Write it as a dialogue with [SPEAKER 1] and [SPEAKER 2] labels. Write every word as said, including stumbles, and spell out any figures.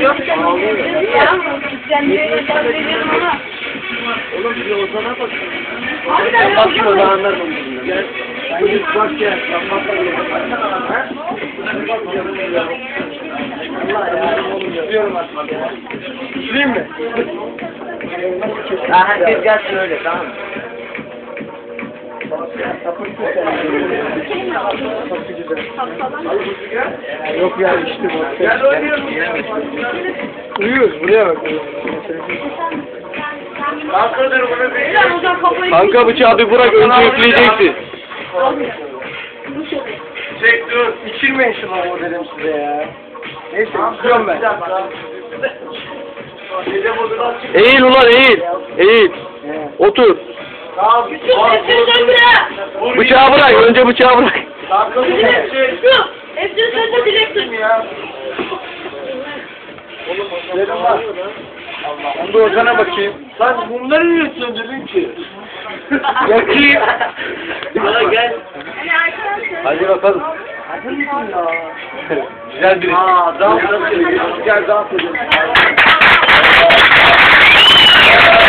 [SPEAKER 1] Yok ya. Sen niye gönderiyorum ama?
[SPEAKER 2] Oğlum bir Ozan'a bak.
[SPEAKER 1] Abi
[SPEAKER 2] Ben bakayım o
[SPEAKER 1] ben
[SPEAKER 2] zaman anlarım. Gel. Sen git bak ya. Sen bak ya. Allah ya. Oğlum yapıyorum artık ya. Süreyim mi? Ha herkes gelsin öyle tamam mı? Yok ya işte bu. Gel oynayalım. Uyuyoruz buraya bak.
[SPEAKER 3] Kanka bıçağı bir bırak, önce yükleyeceksin.
[SPEAKER 2] Çek dur. İçirmeyin şunu o dedim size ya. Neyse istiyorum ben.
[SPEAKER 3] Eğil ulan eğil. Eğil. Otur.
[SPEAKER 2] Tamam.
[SPEAKER 3] Bıçağı bırak, önce bıçağı bırak.
[SPEAKER 1] hepsini sen de dileksin.
[SPEAKER 2] Dedim var. Ben de Ozan'a bakayım. Lan bunları niye söndürdün ki? Yakayım. Bana gel.
[SPEAKER 3] Hadi bakalım.
[SPEAKER 2] Hazır mısın ya?
[SPEAKER 3] Güzel biri.
[SPEAKER 2] Aa, dans edelim. Gel dans edelim.